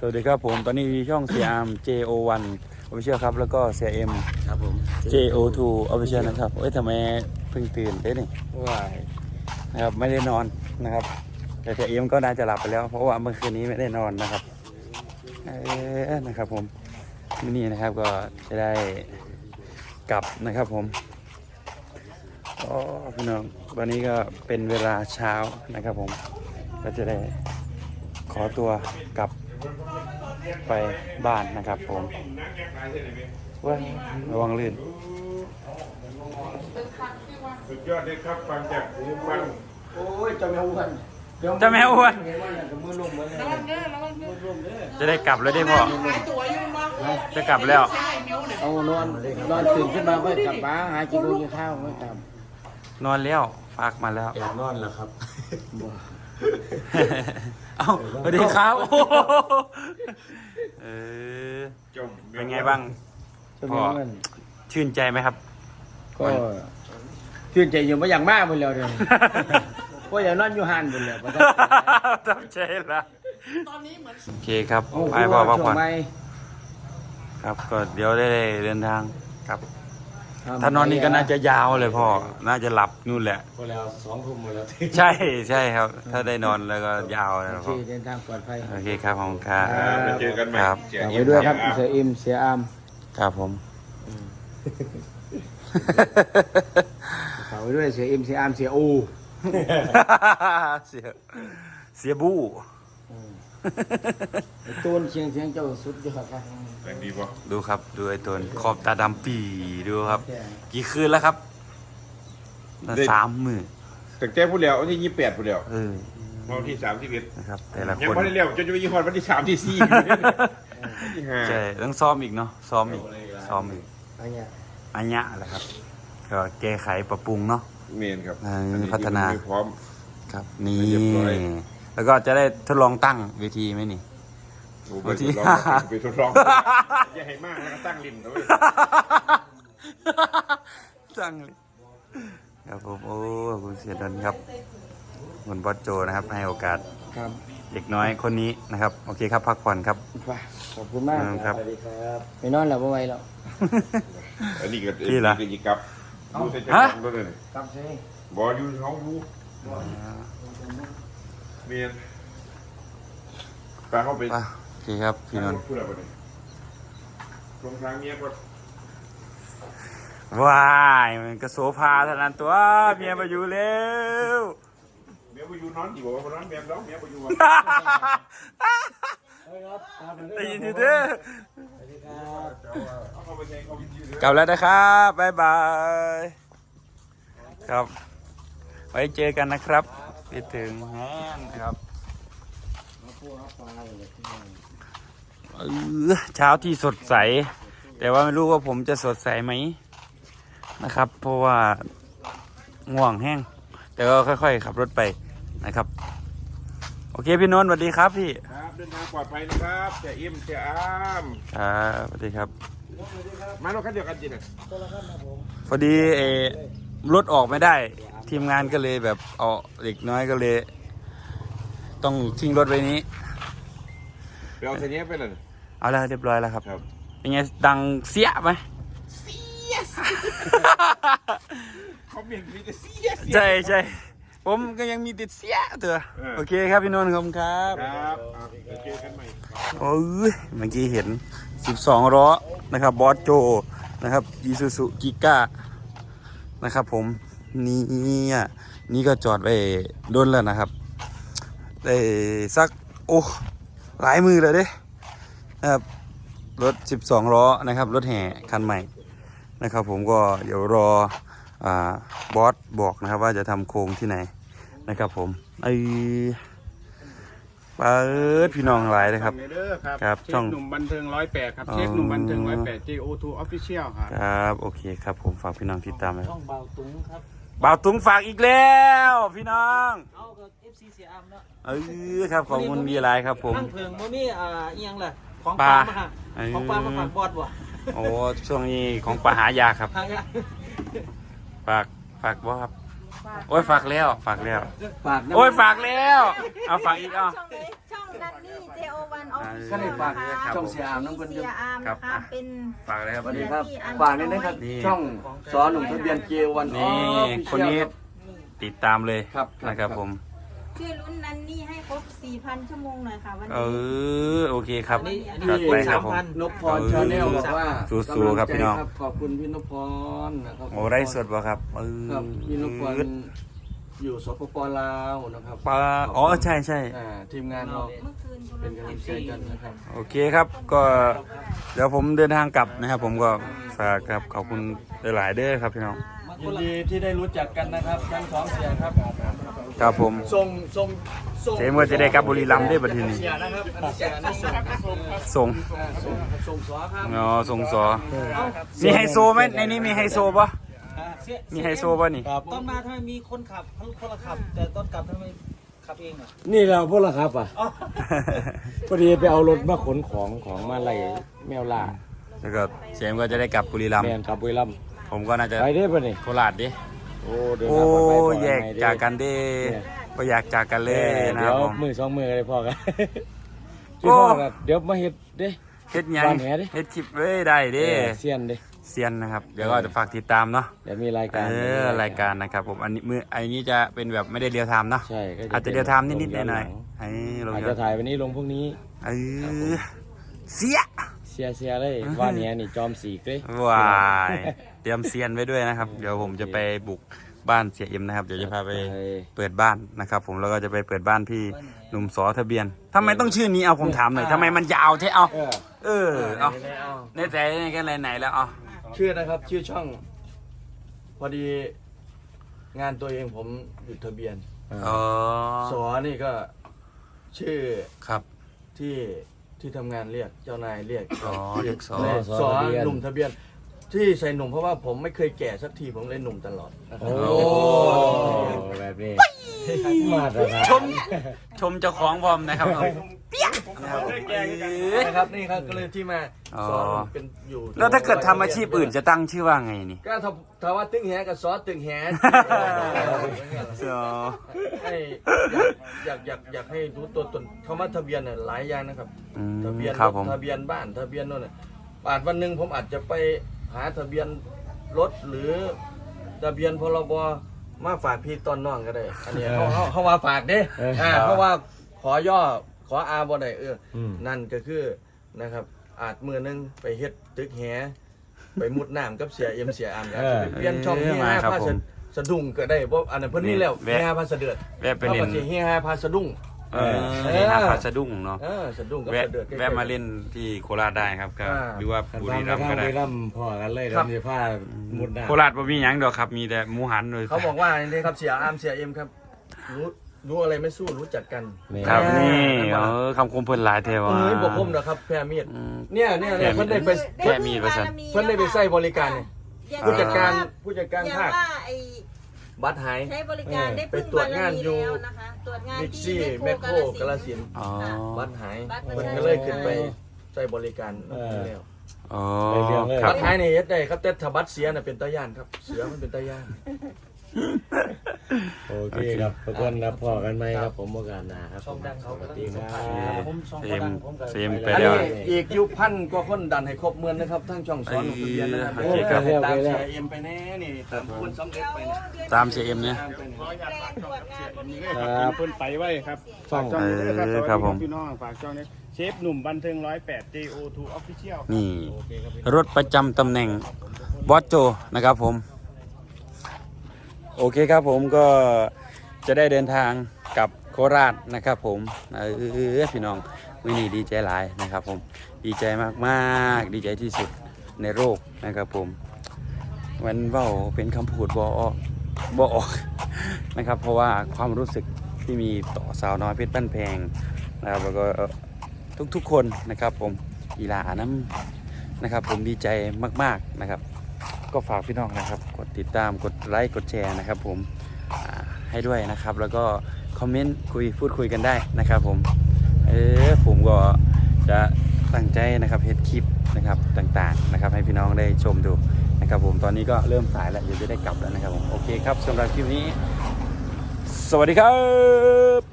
วัสดีครับผมตอนนี้มีช่อง CRM JO1 Official ครับแล้วก็ CRM ครับผม JO2 Official นะครับทำไมเพิ่งตื่นได้นี่ว้ายนะครับไม่ได้นอนนะครับแต่ CRM ก็น่าจะหลับไปแล้วเพราะว่าเมื่อคืนนี้ไม่ได้นอนนะครับนะครับผมนี่นะครับก็จะได้กลับนะครับผมพี่น้องวันนี้ก็เป็นเวลาเช้านะครับผมก็จะได้ขอตัวกลับไปบ้านนะครับผมว่าระวังลื่นสุดยอดเลยครับฟังจากหูฟังโอ้ยจะแมวอ้วนจะแมวอ้วนเห็นว่าอย่างกับมือลุ่มเหมือนกันจะได้กลับแล้วได้พ่อจะกลับแล้วเอานอนตื่นขึ้นมาก็กลับบ้านหากินกินข้าวไม่กลับนอนแล้วฝากมาแล้วอยากนอนแล้วครับเอ้าสวัสดีครับจมเป็นไงบ้างพ่อชื่นใจไหมครับก็ชื่นใจอยู่มาอย่างมากหมดแล้วเลยก็อย่านอนอยู่หันหมดแล้วต้องใจละโอเคครับไปพ่อพักผ่อนครับก็เดี๋ยวได้เดินทางครับถ้านอนนี่ก็น่าจะยาวเลยพ่อน่าจะหลับนู่นแหละพอแล้ว2 ทุ่มหมดแล้วใช่ครับ ถ้าได้นอนแล้วก็ยาวเลยโอพ่เคอเดินทางปลอดภัยโอเคครับผมครับมาเจอกันใหม่ครับเสียฝากอิ่ไว้มด้วยครับเสียอิมเสียอามครับผมฝากไว้ด้วยเสียอิมเสียอามเสียอูเสียบู้ตูนเชียงเจ้าสุดยอดครับแรงดีป่ะดูครับดูไอ้ตัวขอบตาดำปีดูครับ กี่คืนแล้วครับ3 มื้อแต่แกพูดแล้ววันที่28พูดแล้ว วันที่31 นะครับแต่ละยังคนไม่ได้เลี้ยวจนจะไปยี่ห้อวันที่3ที่4ที่5 ใช่ต้องซ้อมอีกเนาะซ้อมอีกอันเนี้ยอันเนี้ยแหละครับก็แก้ไขปรับปรุงเนาะเมนครับพัฒนาพร้อมครับนี่เรียบร้อยแล้วก็จะได้ทดลองตั้งเวทีไหมนี่ไปทดลองไปทดลองอย่าให้มากแล้วก็ตั้งริมนะเว้ยตั้งเลยครับผมโอ้ขอบคุณเสียดันครับคุณบอสโจนะครับให้โอกาสครับเด็กน้อยคนนี้นะครับโอเคครับพักผ่อนครับขอบคุณมากครับสวัสดีครับไปนอนแล้วบ่ไหวแล้วอันนี้ก็พี่เหรอกิกับดูใส่ใจฮะกันด้วยเลยครับใช่บออยู่ท้องรู้เมียนตาเข้าไปป่ะโอเคครับพี่นนท์พูดอะไรไปเนี่ยตรงทางเมียก็ว้ายมันก็โซฟาเท่านั้นตัวเมียมาอยู่แล้วเมียไปอยู่นอนอยู่บ่นอนเมียร้องเมียไปอยู่อ่ะได้ยินอยู่เด้อเอาเข้าไปในเขาวิทยุเลยกลับแล้วนะครับบ๊ายบายครับไว้เจอกันนะครับคิดถึงแฮนครับเช้าที่สดใส แต่ว่าไม่รู้ว่าผมจะสดใสไหมนะครับ เพราะว่าง่วงแห้งแต่ก็ค่อยๆขับรถไปนะครับโอเคพี่นนท์สวัสดีครับพี่ครับเดินทางปลอดภัยนะครับเสียอิ่มเสียอ้ามครับสวัสดีครับมาเราคันเดียวกันจริงอ่ะพอดีรถออกไม่ได้ ทีมงานก็เลยแบบเอาเด็กน้อยก็เลย ต้องทิ้งรถไว้นี้ไปเอาเสียนี้ไปเลยเอาแล้วเรียบร้อยแล้วครับครับเป็นไงดังเสียไหมเขาเมียนมีแต่เสียใช่ผมก็ยังมีติดเสียเถอะโอเคครับพี่นนท์ขอบคุณครับครับเจอกันใหม่โอ้ยเมื่อกี้เห็น12 ล้อนะครับบอสโจนะครับอีซูซูกิก้านะครับผมนี่ก็จอดไว้โดนแล้วนะครับได้สักโอ้หลายมือเลยเด้นะครับรถ12 ล้อนะครับรถแห่คันใหม่นะครับผมก็เดี๋ยวรอบอสบอกนะครับว่าจะทำโครงที่ไหนนะครับผมเปิดพี่น้องหลายเลยครับ ครับเชฟหนุ่มบันเทิง108ครับเชฟหนุ่มบันเทิง108 JO2 Official ครับครับโอเคครับผมฝากพี่น้องติดตามเลยช่องเบาตุ้งครับบ่าวตุ้งฝากอีกแล้วพี่น้องเอากับ FC เสียอามเนาะครับขอบคุณมีอะไรครับผมตั้งเพิงบ่มีเอียงล่ะของปปลาลามาค่ะของปลามาฝากบอดบ่โอ้ช่วงนี้ของปลาหายากครับทางเนี้ยฝากบ่ครับโอ้ยฝากแล้วฝากนะโอ้ยฝากแล้วเอาฝากอีกเอาช่องนันนี่ JO1 ก็ได้ฝากช่องเสียอามน้องคนเดียวเสียอามนะคะเป็นฝากเลยครับสวัสดีครับฝากนี่นะครับช่องสอนหนุ่มทะเบียนเจวันนี่คนนี้ติดตามเลยครับนะครับผมช่วยลุ้นนั้นนี่ให้ครบ 4,000 ชั่วโมงหน่อยค่ะวันเอนี้อโอเคครับนี่จัดไปครับผมนพพรชาแนลบอกว่าสู้ๆครับพี่น้องขอบคุณพี่นพพรนะครับโอ้ได้สดบ่ครับครับพี่นพพรอยู่สปปลาวนะครับปลาอ๋อใช่ใช่ทีมงานเราเมื่อคืนเป็นกำลังใจกันนะครับโอเคครับก็เดี๋ยวผมเดินทางกลับนะครับ ผมก็ฝากครับขอบคุณหลายๆเด้อครับพี่น้องยินดีที่ได้รู้จักกันนะครับทั้งสองเสียครับครับผมส่งเจ๊ก็จะได้กลับบุรีรัมย์ได้บัดทีนี้เสียนะครับอันนี้เสียอันนี้ส่งส่งส่งสอครับอ๋อส่งสอมีไฮโซไหมในนี้มีไฮโซปะมีไฮโซปะนี่ตอนมาทำไมมีคนขับคนละขับ แต่ตอนกลับทำไมขับเองอ่ะนี่เราพวกเราครับอ่ะพอดีไปเอารถมาขนของมาไล่แมวล่าแล้วก็เจ๊ก็จะได้กลับบุรีรัมย์แมนกับบุรีรัมย์ผมก็น่าจะไปได้ป่ะนี่โคราชดิโอ้เดินโอ้ทางปลอดภัยปลอดภัแยกจากกันดิก็อยากจากกันเลยนะคเดี๋รัยบวผมมือสองมือเลยพอกันโอ้พ่อกันเดี๋ยวมาเฮ็ดเด้เฮ็ดหยังวางแหดิเฮ็ดคลิปเว้ยได้ดิเซียนเด้เซียนนะครับ เดี๋ยวก็จะฝากติดตามเนาะเดี๋ยวมีรายการรายการนะครับผมอันนี้จะเป็นแบบไม่ได้เรียลไทม์เนาะใช่ก็อาจจะเรียลไทม์นิดๆหน่อยๆลงอาจเยจะอะถ่ายวันนี้ลงพวกนี้เออเสียเสียเลยว่าเนี้ยนี่จอมสีกเลยว้ายเตรียมเซียนไว้ด้วยนะครับ เดี๋ยวผมจะไปบุกบ้านเสียเอ็มนะครับ เดี๋ยวจะพาไปเปิดบ้านนะครับ ผมแล้วก็จะไปเปิดบ้านพี่หนุ่มสอทะเบียนทำไมต้องชื่อนี้เอาผมถามหน่อยทำไมมันยาวเท่เอาเอาในใจในกันไหนๆแล้วเอาชื่อนะครับชื่อช่อง พอดีงานตัวเองผมหยุดทะเบียนอ๋อสอนี่ก็ชื่อครับที่ทำงานเรียกเจ้านายเรียกอ๋อเรียกสอสอหนุ่มทะเบียน ที่ใส่หนุ่มเพราะว่าผมไม่เคยแก่สักทีผมเลยหนุ่มตลอดนะครับโอ้แบบนี้มาตรฐานชมเจ้าของพร้อมนะครับผมเปี้ยนะครับนะครับนี่ครับก็เลยที่มาอ๋อสอนเป็นอยู่แล้วถ้าเกิดทำอาชีพอื่นจะตั้งชื่อว่าไงนี่ก็ถ้าว่าตึงแหกับซอสตึงแหอ๋อให้อยากให้รู้ตัวตนคำว่าทะเบียนเนี่ยหลายอย่างนะครับอืมทะเบียนครับรถผมทะเบียนบ้านทะเบียนโน่นน่ะอาจวันหนึ่งผมอาจจะไปหาทะเบียนรถหรือทะเบียนพรบมาฝากพี่ตอนน้องก็ได้ อันนี้เขาว่าฝากเด้เพราะว่าขอย่อขออาบ่ได้นั่นก็คือนะครับอาจมือนึงไปเฮ็ดตึกแหไปมุดน้ำกับเสียเอ็มเสียอามอยากจะไปเปลี่ยนช่องที่5พาสะดุ้งก็ได้เพราะอันนั้นเพิ่นนี่แล้ว5พาสะเดือดแวะไปเล่นเขาก็สิ5พาสะดุ้งหาพาสะดุ้งเนาะสะดุ้งกับแวะสะเดือดแวะมาเล่นที่โคราชได้ครับก็หรือว่าบุรีรัมย์ก็ได้พอกันเลยเดี๋ยวมีผ้ามุดน้ำโคราชบ่มีหยังดอกครับมีแต่หมูหันเลยเขาบอกว่านี่ครับเสียอามเสียเอ็มครับรู้อะไรไม่สู้รู้จักกันครับนี่คำคมเพิ่นหลายเทวะบอกคมนะครับแพรมีดเนี่ยเพิ่นได้ไปแค่มีดประชันเพิ่นได้ไปใช้บริการเนี่ยผู้จัดการภาคว่าไอ้บัตรหายใช้บริการได้ไปตรวจงานอยู่แล้วนะคะตรวจงานบิ๊กที่ซี่แมคโครกาฬสินธุ์อ๋อบัตรหายบัตรประเพิ่นชาชนก็เลยขึ้นไปใช้บริการแล้วอ๋อครับับตรหายนี่เฮ็ดได้ครับแต่ถ้าบัตรเสียน่ะเป็นตาย่านครับเสือมันเป็นตาย่านโอเคครับทุกคนรับพอกันไหมครับผมโอกาสหน้าครับช่องดังเขาสวัสก็ดีคสัมรัภาษณ์บผมช่องเซก็มดังผมก็เซมไปอันแล้วนี้อีกยุคพันก็คนดันให้ครบเมือนนะครับทั้งช่องสอนของทะเบียนนะครับโอเคครับตามเสียเอ็มไปแน่นี่ตามคุณสำเร็จไปเนี่ยตามเสียเอ็มเนี่ยตามไปเนี่ยตรวจงานบนนี้ครับเพิ่นไปไว้ครับช่องฝากช่องนี้ด้วยครับครับผมพี่น้องฝากช่องนี้เชฟหนุ่มบันเทิง108 JO2 Official นี่รถประจำตำแหน่งบอสโจนะครับผมโอเคครับผมก็จะได้เดินทางกลับโคราชนะครับผมพี่น้องวินี่ดีใจหลายนะครับผมดีใจมากๆดีใจที่สุดในโลกนะครับผมมันเว้าเป็นคำพูดบ่ออกนะครับเพราะว่าความรู้สึกที่มีต่อสาวน้อยเพชรบ้านแพงนะครับแล้วก็ทุกๆคนนะครับผมอีหลาน้ำนะครับผมดีใจมากๆนะครับก็ฝากพี่น้องนะครับกดติดตามกดไลค์กดแชร์นะครับผมให้ด้วยนะครับแล้วก็คอมเมนต์พูดคุยกันได้นะครับผมผมก็จะตั้งใจนะครับเฮ็ดคลิปนะครับต่างๆนะครับให้พี่น้องได้ชมดูนะครับผมตอนนี้ก็เริ่มสายแล้วเดี๋ยวจะได้กลับแล้วนะครับผมโอเคครับสำหรับคลิปนี้สวัสดีครับ